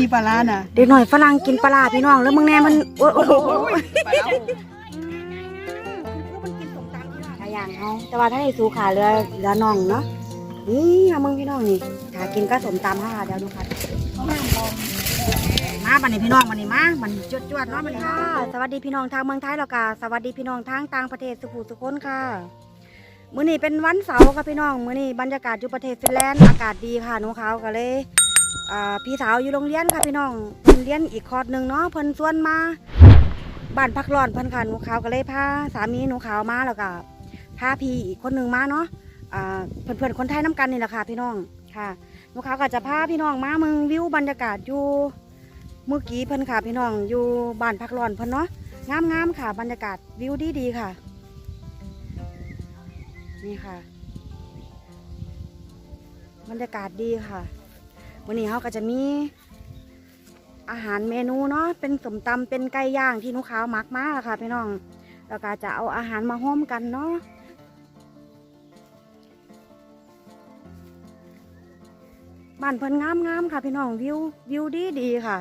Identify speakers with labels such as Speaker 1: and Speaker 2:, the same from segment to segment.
Speaker 1: มีปลาร้าน่ะ
Speaker 2: เด็กหน่อยฝรั่งกินปลาพี่น้องแล้วมึงแน่มันโอ้โหอย่างเขาแต่ว่าถ้าให้สูขาเรือน่องเนาะนี่มึงพี่น้องนี่ถ้ากินก็สมตำค่ะเดี๋ยวดูค่ะมาบันนี้พี่น้องบันนี้มาบันจวดเนาะบันนี้ค่ะสวัสดีพี่น้องทางเมืองไทยแล้วก็สวัสดีพี่น้องทางต่างประเทศสุขุสุขนค่ะมื้อนี้เป็นวันเสาร์ค่ะพี่น้องมื้อนี้บรรยากาศอยู่ประเทศฟินแลนด์อากาศดีค่ะหนูเขาก็เลยพี่สาวอยู่โรงเรียนค่ะพี่น้องเพิ่นเรียนอีกคอร์สหนึ่งเนาะเพิ่นชวนมาบ้านพักร้อนเพิ่นค่ะหนูเขาก็เลยพาสามีหนูเขามาแล้วก็พาพี่อีกคนหนึ่งมาเนาะเพื่อนๆคนไทยน้ำกันนี่แหละค่ะพี่น้องค่ะหนูเขาก็จะพาพี่น้องมาเมืองวิวบรรยากาศอยู่เมื่อกี้เพิ่นค่ะพี่น้องอยู่บ้านพักร้อนเพิ่นเนาะงามๆค่ะบรรยากาศวิวดีๆค่ะนี่ค่ะบรรยากาศดีค่ะวันนี้เขาก็จะมีอาหารเมนูเนาะเป็นสมตำเป็นไก่ย่างที่หนูขาวมักมากค่ะพี่น้องแล้วก็จะเอาอาหารมาห้อมกันเนาะบ้านเพิ่นงามๆค่ะพี่น้องวิวดีค่ะ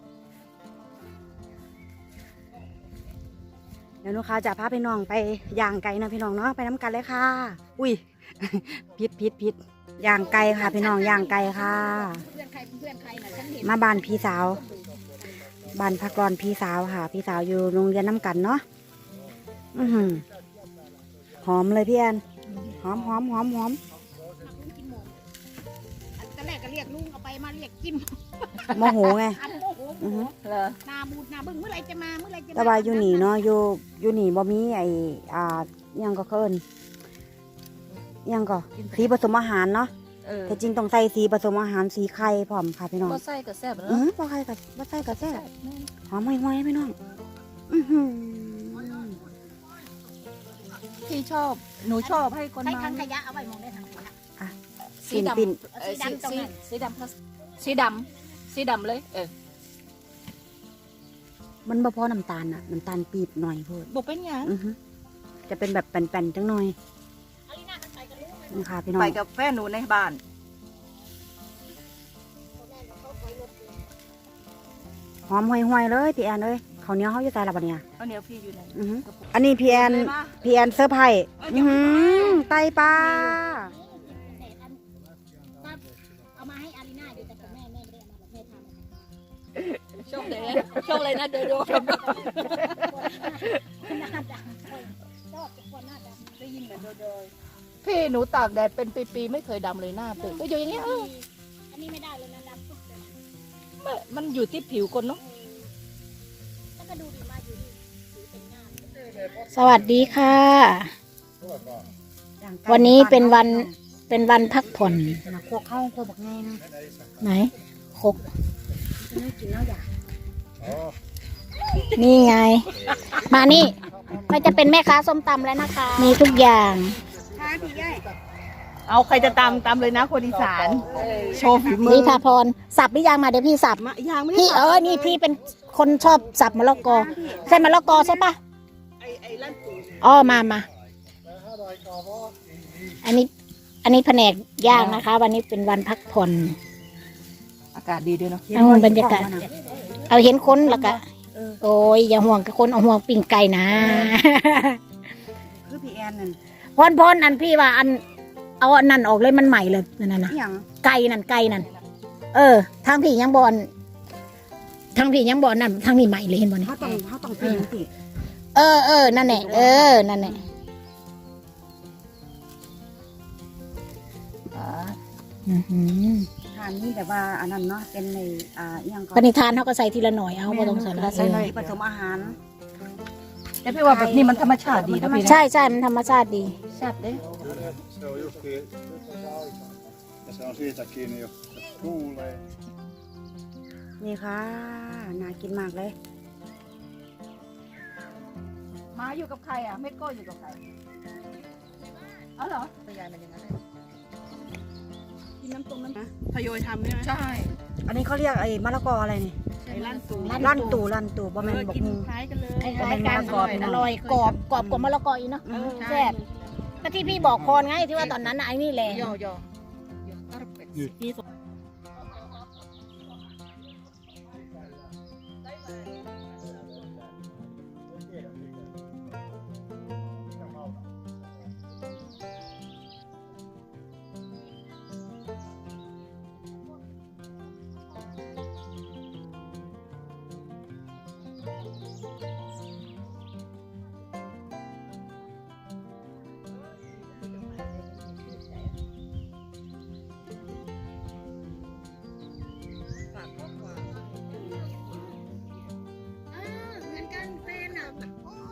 Speaker 2: เดี๋ยวหนูขาวจะพาพี่น้องไปย่างไก่นะพี่น้องเนาะไปน้ำกันเลยค่ะอุ้ย พิษย่างไก่ค่ะพี่น้องย่างไก่ค่ะมาบ้านพี่สาวบ้านพักร้อนพี่สาวค่ะพี่สาวอยู่โรงเรียนน้ำกันเนาะหอมเลยพี่แอนหอม
Speaker 3: ตอนแรกก็เรียกลุงเอาไปมาเรียกจิ้ม
Speaker 2: โมโหไง
Speaker 3: นาบูดนาบึ้งเมื่อไรจะมา
Speaker 2: แต่ว่าอยู่หนีเนาะอยู่หนีบ่มีไอ้ยังก็เคินยังก็สีผสมอาหารเนาะแต่จริงต้องใส่สีผสมอาหารสีไข่พร้อมค่ะพี่น้อง
Speaker 1: บ่ใส่กับแซ่บเนาะ
Speaker 2: บ่ใส่กับแซ่บหอมห่วยๆพี่น้อง
Speaker 1: พี่ชอบหนูชอบให้คน
Speaker 3: ใส่
Speaker 1: มา
Speaker 3: ถังขยะเอาไว้มองได้ถังขยะ
Speaker 1: สีดำสีดำเลย
Speaker 2: มันบ่พอน้ำตาลน่ะน้ำตาลปีบหน่อยเพิ่น
Speaker 1: บอกเป็นยัง
Speaker 2: จะเป็นแบบแป่นๆจังหน่อยนี่ค่ะพี่น้อง
Speaker 1: ไปกับแฟนหนูในบ้าน
Speaker 2: หอมห่วยๆเลยพี่แอนเลยข้าวเหนียวเขาอยู่ใส่ละบัดเนี่ย
Speaker 1: ข้าวเหนียวพี่อยู่ไหน
Speaker 2: อันนี้พี่แอนเซอร์ไพรส์ไตปลา
Speaker 3: เอามาให้อารีน่าอยู่แต่แม่ไม่ได้เอามาแม่ท
Speaker 1: ำโชคเลยนะเดี๋ยวพี่หนูตากแดดเป็นปีๆไม่เคยดำเลยหน้าเปก็อยู่อย่างเงี้ย
Speaker 3: อันนี้ไม่ได้เลยนะดำปุ๊บ
Speaker 1: เลยมันอยู่ที่ผิวคนเนาะ
Speaker 3: แล้วก็ดูดีมากอยู่ดีเป็นงาม
Speaker 4: สวัสดีค่ะวันนี้เป็นวันพักผ่อน
Speaker 2: โคกเข้าโคกบักแง่นะ
Speaker 4: ไหนโคก
Speaker 2: กินแล้วอยาก
Speaker 4: นี่ไงมานี่มันจะเป็นแม่ค้าส้มตำแล้วนะคะมีทุกอย่าง
Speaker 2: ค่ะพี่ใหญ่
Speaker 1: เอาใครจะตามเลยนะคนอีสานโชว์ฝีมือ
Speaker 4: นี่พาพรสับหรือยังมาเดี๋ยวพี่สับพี่นี่พี่เป็นคนชอบสับมะละกอใช่มะละกอใช่ปะมาอันนี้แผนกย่างนะคะวันนี้เป็นวันพักผ่อน
Speaker 1: อากาศดีด้วยเนาะ
Speaker 4: เอาบรรยากาศเอาเห็นคนแล้วก็โอ้ยอย่าห่วงกับคนเอาห่วงปิ่งไก่นะ
Speaker 2: คือพี่แอนนั่น
Speaker 4: พรอันพี่ว่าอันเอาอันนั้นออกเลยมันใหม่เลยนั่นนะไก่นั่นทางพี่ยังบอลนั่นทางนี้ใหม่เลยเห็นบ่เนี่ย
Speaker 2: เขาต้องปีนสิ
Speaker 4: นั่นแหละนั่นแหละ
Speaker 2: ทานนี่แบบว่าอันนั้นเนาะเป็นในยัง
Speaker 4: ปณิธานเขาก็ใส่ทีละหน่อยเอาไม่ต้องใส่
Speaker 2: ผสมอาหาร
Speaker 1: แต่พี่ว่าแบบนี้มันธรรมชาติดีนะพี่
Speaker 4: ใช่มันธรรมชาติดี
Speaker 1: แซ่บเด้
Speaker 2: นี่ค่ะน่ากินมากเลย
Speaker 1: มาอยู่กับใครอ่ะไม่โก้อยู่กับใครอ๋อเหรอตัวยายมันอย่างนั้นเลย
Speaker 2: กินน้ำต้มนะ
Speaker 1: ทยอยทำใช่ไหมใช่
Speaker 2: อันนี้เขาเรียกไอ้มะละกออะไรนี่
Speaker 1: ลั่นตู
Speaker 2: บะแมนบอกงู
Speaker 1: คล้ายกันเลย
Speaker 4: คล้ายกันอร่อยกรอบกว่ามะละกออีกเนาะแซ่บก็ที่พี่บอกพรไงที่ว่าตอนนั้นไอ้นี่แหละ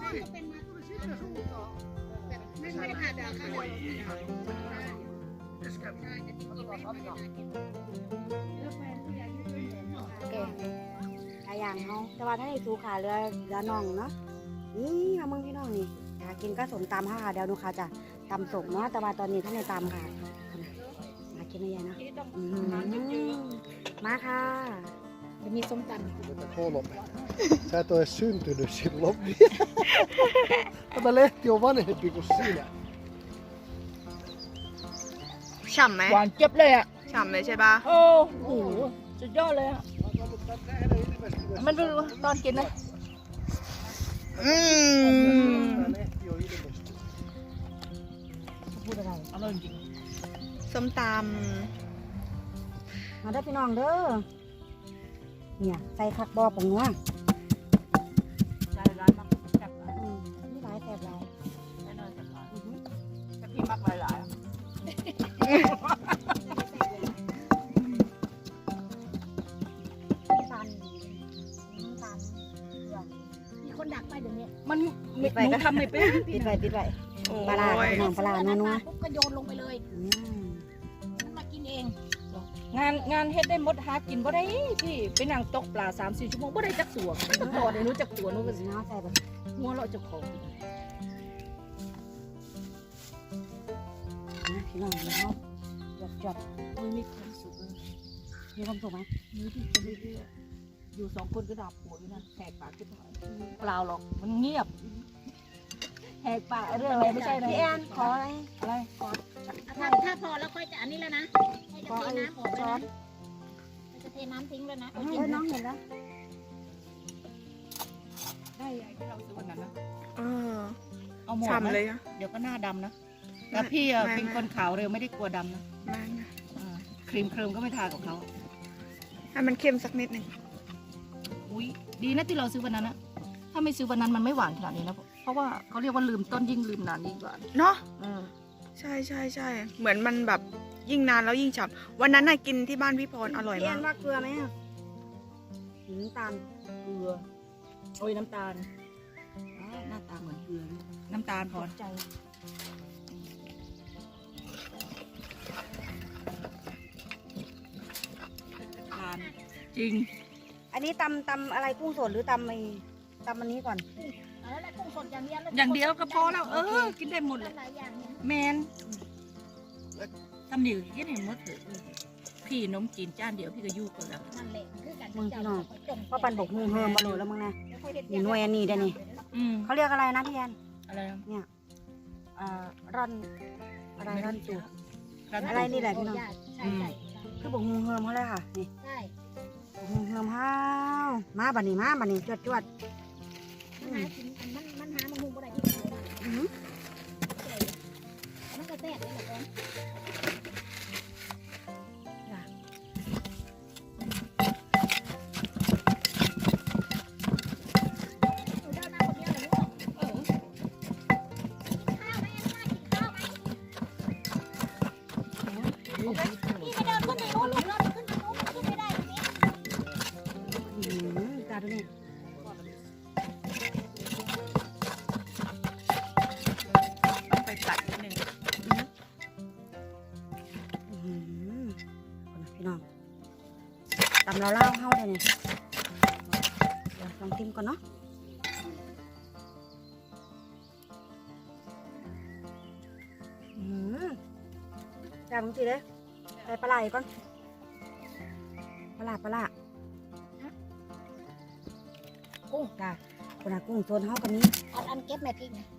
Speaker 3: ก็เป็นมาแบบไม่ได้ขาดดาวข้าว
Speaker 2: แกงหลายอย่างเขาแต่ว่าถ้าในสูขาเรือน่องเนาะนี่ค่ะมึงพี่น้องนี่อยากกินก็สมตำค่ะเดี๋ยวดูค่ะจะตำสมเนาะแต่ว่าตอนนี้ท่านในตำค่ะมากินอะไรนะมาค่ะ
Speaker 4: จะมีส้มตำ
Speaker 5: Sä et ole syntynyt silloin vielä. Tämä lehti on vanhempi kuin sinä.
Speaker 6: ฉ่ำไหม
Speaker 1: หวานเจ็บเลยอ่ะ
Speaker 6: ฉ่ำเลยใช่ปะ
Speaker 1: โอ้โหสุดยอดเลยอ่ะ มันดูตอนกินนะ
Speaker 6: อืม
Speaker 5: Tämä lehti on ilmestynyt.
Speaker 2: พูดอะไร
Speaker 1: อร่อยจริง
Speaker 6: ส้มต
Speaker 2: มาได้อพี่น้องเด้อเนี่ยใส่ผักบอผงนัว
Speaker 1: ใจร้านมากแซ่บหลาย
Speaker 2: นี่หลายแสบหลาย
Speaker 1: แน่นอนแซ่บหลายแต่พี่มักหลายๆอะ
Speaker 2: ตันตัน
Speaker 3: มีคนดักไปเดี๋ยวนี้
Speaker 1: มันหนูทำไม่เป็น
Speaker 2: ปิดไว้ปิดไว้
Speaker 6: ำโอ้
Speaker 2: ปลาร้า
Speaker 6: ย
Speaker 2: พี่น้องปลาร้านัว
Speaker 3: ปุ๊บก็โยนลงไปเลย
Speaker 2: ๆอืม
Speaker 3: มันมากินเอง
Speaker 1: งานเฮ็ดได้หมดหากินบ่ได้พี่ไปนั่งตกปลา 3-4 ชั่วโมงบ่ได้จักตัวบ่ได้รู้จักตัวหนูก็สิ
Speaker 2: น้าใส่แบบ
Speaker 1: หัวเราะเจ้าของ
Speaker 2: นะพี่น้องเดี๋ยวเขาจด
Speaker 1: มันมีความสุขเลย
Speaker 2: มีความสุขไหม
Speaker 1: มีที่คนเรื่อยๆอยู่2คนก็ด่าผัวอยู่นะแหกปากขึ้นมาเปล่าหรอกมันเงียบแหกปากเรื่องอะไรไม่ใช่นะ
Speaker 2: พี่แอนขออะไร
Speaker 1: อะไร
Speaker 3: ถ้าพอแล้วค่อยจะอันนี้แล้วนะให้จะ
Speaker 2: ขอ
Speaker 3: เท
Speaker 2: ไอ้
Speaker 3: น้ำออก
Speaker 2: ช้
Speaker 3: แล้ว
Speaker 2: อน
Speaker 3: นะจะเทน้ำทิ้งแล้วนะ
Speaker 2: เอ้ยน้องเห็นแล้ว
Speaker 1: ได้ไอ้ที่เราซื้อวันนั้นนะ
Speaker 6: เออ
Speaker 1: เอาหมด
Speaker 6: ฉ่ำ
Speaker 1: ไหม
Speaker 6: เลยอะ
Speaker 1: เดี๋ยวก็หน้าดำนะแต่พี่อะ
Speaker 6: ไม่
Speaker 1: เป็นคนขาวเร็วไม่ได้กลัวดำนะ
Speaker 6: ไม่นะ
Speaker 1: ครีมเคริมก็ไม่ทากับเขา
Speaker 6: ให้มันเค็มสักนิดหนึ่ง
Speaker 1: อุ้ยดีนะที่เราซื้อวันนั้นนะถ้าไม่ซื้อวันนั้นมันไม่หวานขนาดนี้นะเพราะว่าเขาเรียกว่าลืมต้นยิ่งลืมนานยิ่งหวาน
Speaker 6: เนาะ
Speaker 1: อืม
Speaker 6: ใช่ใช่ใช่เหมือนมันแบบยิ่งนานแล้วยิ่งฉ่ำวันนั้นน่ะกินที่บ้านพี่พรอร่อย
Speaker 2: พี่แอ
Speaker 6: มาก
Speaker 2: นว่าเกลือไหมอ่ะน้ำตาล
Speaker 1: เกลือโอ้ยน้ำตาลอ้าวหน้าตาเหมือนเกลือเลยน้ำตาลพอใจทานจริง
Speaker 2: อันนี้ตำอะไรกุ้งสดหรือตำอันนี้ก่อน
Speaker 3: แล้วแหละกุ้งสดอย่างเดียว
Speaker 1: อย่างเดียวก็พอแล้ว กินได้หมดเลย
Speaker 3: หลายอย่างเนี่ย
Speaker 1: แมนทำเดียวกินให้หมดเลยพี่นมจีนจานเดียวพี่ก็ยุ่กันแล้ว
Speaker 3: นั่นแหละคือการ
Speaker 2: มึงพี่น้องเพราะปันบกฮูเฮิมมาโหลแล้วมึงนะ
Speaker 3: นี่
Speaker 2: หน่วยอันนี้ได้นี่
Speaker 1: อืม
Speaker 2: เขาเรียกอะไรนะพี่แอน
Speaker 1: อะไรนะ
Speaker 2: ร่อนอะไรร่อนจูบ
Speaker 1: ร้าน
Speaker 2: อะไรนี่แหละพี่น้อง
Speaker 3: ใช่ใช่
Speaker 2: คือบกฮูเฮิมเขาเลยค่ะนี่
Speaker 3: ใช่
Speaker 2: บกฮูเฮิมห้าวมาบันนี้จวด
Speaker 3: มันหากินมันหามันหุงบ่ได้ที่ไหนมา
Speaker 2: อื้อหือ
Speaker 3: มันก็แซ่บเลยแหละก่อนหนูเดินมาคนเดียวเหรอลูกข้าวไหมข้าวไหมพี่ไปเดินขึ้นไปโน้นลูกเดินขึ้นไปโน้นขึ้นไม่ได้ตรงนี้
Speaker 2: ตาดูนี่
Speaker 1: ต้องไปตัดนิดนึง
Speaker 2: พี่น้องตำเราเล่าเข้าเลยเนี่ยเดี๋ยวลองชิมก่อนเนาะจับมึงสิเลยใส่ปลาไหลก่อนปลากุ้งจ้าคนละกุ้งโซนเฮากันนี้
Speaker 3: อันเก็บแม่ทิ้งนะ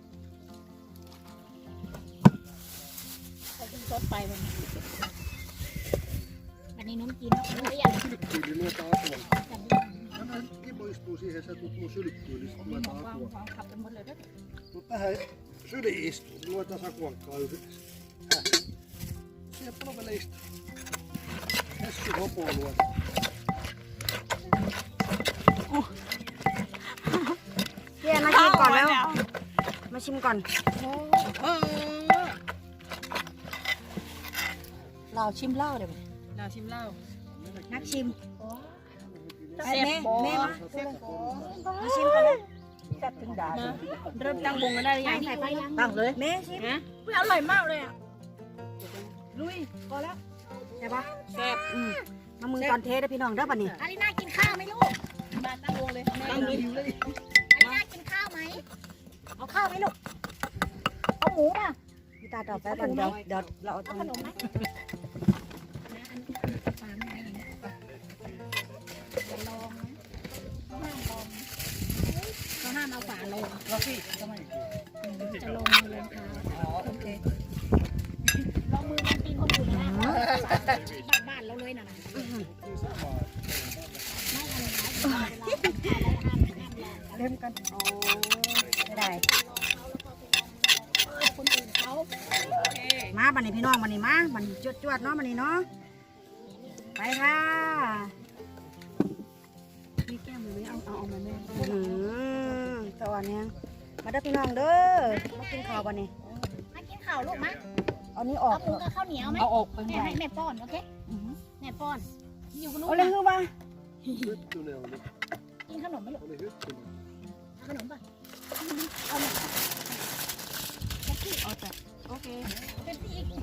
Speaker 3: ใส่ขึ้นซดไปวันนี้น้ำกินเนาะไม่อยาก
Speaker 5: Sylkkyyli luota apua. Tämä Ibo istuu siihen, sä tulet mun sylkkyyli, sit
Speaker 1: มีหม
Speaker 5: luetaan
Speaker 1: องวาง
Speaker 5: apua.
Speaker 1: วางขับกันหมดเลยด้วย
Speaker 5: Tuu tähän syliin istuu, niin luetaan sakuankkaa yhdessä. Siihen palvele istuu. Hessu hopoa luetaan.
Speaker 2: พี่แอนมาชิมก่อนแล้ว มาชิมก่อน
Speaker 1: เราชิมเหล้าเดี๋ยวเราชิมเหล้า
Speaker 2: นักชิม
Speaker 1: แซ่บบ่
Speaker 2: แม่มาชิมก่อนเลย
Speaker 1: จัดถึงด่า
Speaker 3: เริ่มตั้งวงกันได้หรือยัง
Speaker 4: ใส่ไปยัง
Speaker 1: ตั้งเลย
Speaker 2: เมชิม
Speaker 3: อร่อยมากเลยอ่ะ
Speaker 2: ลุยพอแล้วใช่ปะ
Speaker 3: แซ่บ
Speaker 2: มามือตอนเทสได้พี่น้องได้ป่ะนี่
Speaker 4: อาริน่ากินข้าวไหมลูก
Speaker 3: มาตั้งวงเลย
Speaker 1: ตั้งเลย
Speaker 4: อาริน่ากินข้าวไหมเอาข้าวไหมลูกเอาหมูป่ะ
Speaker 2: พี่ตาต่อไปก่อนเดี๋ยวเราเอาตร
Speaker 4: เอา
Speaker 2: ง
Speaker 4: ขนมไหมเขาห้ามเอาฝาลง
Speaker 1: แล้วพี่ทำไม
Speaker 4: จะลงมือลงเท้า
Speaker 1: อ๋อโอเค
Speaker 4: ลงมือลงตีนคนอื่นนะบ้านเราเลยนะไม่ทำร้าย
Speaker 2: เริ่มกันโอ้ไม่ได้
Speaker 4: คนอื่นเขา
Speaker 2: มาบันนี้พี่น้องบันนี้มาบันจวดๆเนาะบันนี้เนาะไปค่ะ
Speaker 3: มีแก้มเลยไหมเอามาแม่
Speaker 2: สวัสดีมาเด้อพี่น้องเด้อมากินข้าวบันนี้
Speaker 4: มากินข้าวลูกมะ
Speaker 2: เอานี้ออ
Speaker 4: เอา
Speaker 2: ก
Speaker 4: หมูกับข้าวเหนียวไหม
Speaker 1: เอาออกไป
Speaker 4: แม่ให้แม่ป้อนโอเคแม่ป้อนอยู่กับลูก
Speaker 2: เอาเลยคือว่า
Speaker 5: Hyttynen oli.
Speaker 4: กินขนมไหมลูก
Speaker 5: Oli hyttynen.
Speaker 4: ขนมป่ะ
Speaker 3: โอเค
Speaker 4: เป็นอีก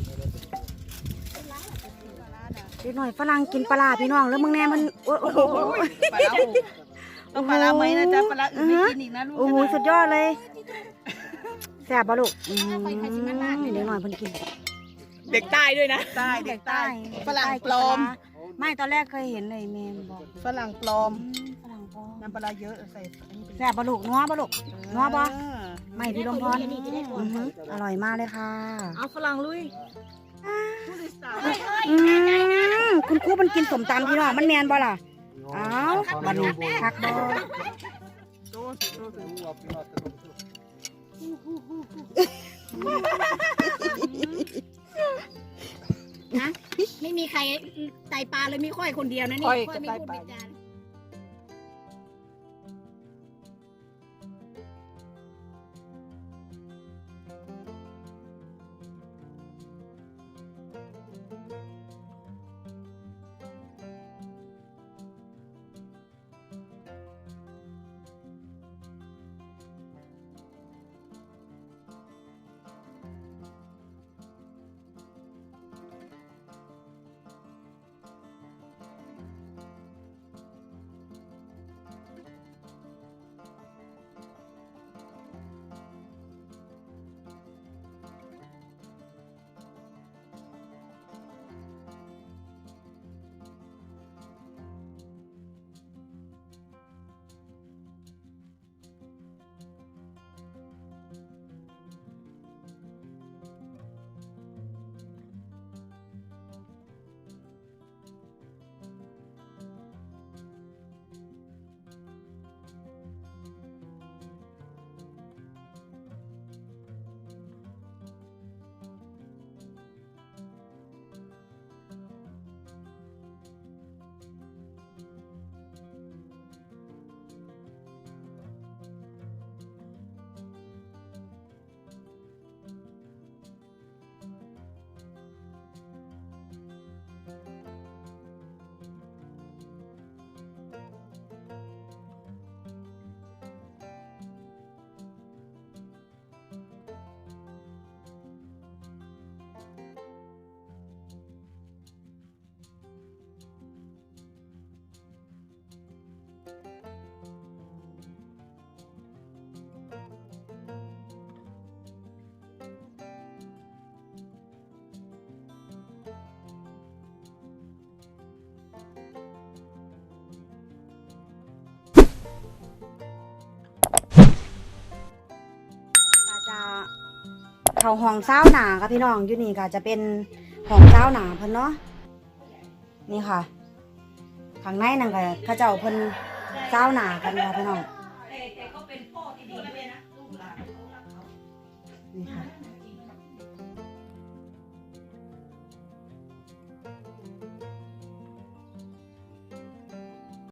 Speaker 2: เด็กหน่อยฝรั่งกินปลาร้าพี่น้องแล้วมึงแน่มันโอ้โห
Speaker 1: ปลาร้าหูต้องปลาร้าไหมนะจ๊ะปลาร้าอื่นไม่กินอีกนะลูก
Speaker 2: โอ้โหสุดยอดเลยแซ่บปะลูกเด็กหน่อยเพิ่นกิน
Speaker 6: เด็กใต้ด้วยนะ
Speaker 1: ใต้เด็กใต้
Speaker 2: ฝรั่งปลอมไม่ตอนแรกเคยเห็นเลยแม่บอก
Speaker 1: ฝรั่งปลอม
Speaker 2: ฝรั่งปลอม
Speaker 1: น้ำปลาร้าเยอะใส่อันนี้เป็น
Speaker 2: แซ่บปะลูกนัวปะลูกนัวปะไม่พี่ลมพร
Speaker 4: นี่จะได้ป้อ
Speaker 2: อื
Speaker 4: น
Speaker 2: อหืออร่อยมากเลยค่ะ
Speaker 1: เอาฝรั่งลุย
Speaker 2: คุณครูมันกินสมตำพี่น้องมันแมนบ่ล่ะ
Speaker 5: Joo,
Speaker 2: อ้าวบัดนี้คักบ่
Speaker 5: Ruoat pilatte on se.
Speaker 4: นะไม่มีใครไตปลาเลยมีค่อยคนเดียวนะนี่ค่อยไม่พูดไม่จา
Speaker 2: จะเข้าห้องเช้าหนาค่ะพี่น้องอยู่นี่ค่ะจะเป็นห้องเช้าหนาเพิ่นเนาะนี่ค่ะข้างในนั่นก็เขาเจ้าเพิ่นเช้าหนากันค่ะพี่น้องนี่ค่ะ